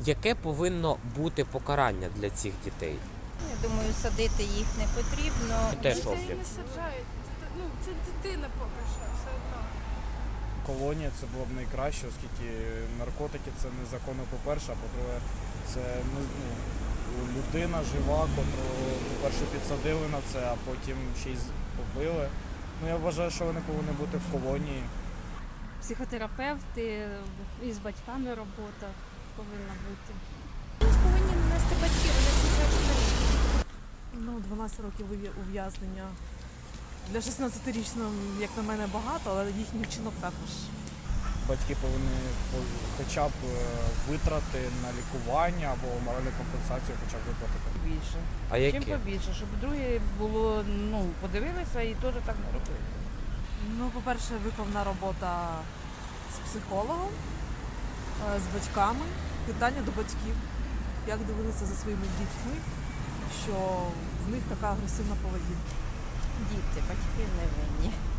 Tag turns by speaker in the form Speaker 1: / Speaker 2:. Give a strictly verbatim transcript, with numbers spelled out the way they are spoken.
Speaker 1: Яке повинно бути покарання для цих дітей?
Speaker 2: Я думаю, садити їх не потрібно.
Speaker 1: Теж
Speaker 3: Дітей
Speaker 1: роблять.
Speaker 3: не саджають. Це, ну, це дитина поки що, все одно.
Speaker 4: Колонія це було б найкраще, оскільки наркотики це незаконно, по-перше, а по-друге, це ну, людина жива, котру, по-перше, підсадили на це, а потім ще й побили. Ну, я вважаю, що вони повинні бути в колонії.
Speaker 5: Психотерапевти, і з батьками робота повинна бути.
Speaker 3: Повинні нанести батьки, вони це завжди.
Speaker 6: Ну, дванадцять років ув'я- ув'язнення. Для шістнадцятирічного, як на мене, багато, але їхній вчинок також.
Speaker 4: Батьки повинні по- хоча б е, витрати на лікування або моральну компенсацію хоча б виплатити.
Speaker 7: Більше.
Speaker 1: А
Speaker 7: Чим
Speaker 1: які?
Speaker 7: побільше, щоб друге було, ну, подивилися і теж так не робили.
Speaker 6: Ну, по-перше, виповна робота з психологом, е, з батьками, питання до батьків, як дивилися за своїми дітьми, що в них така агресивна поведінка.
Speaker 2: Діти, батьки не винні.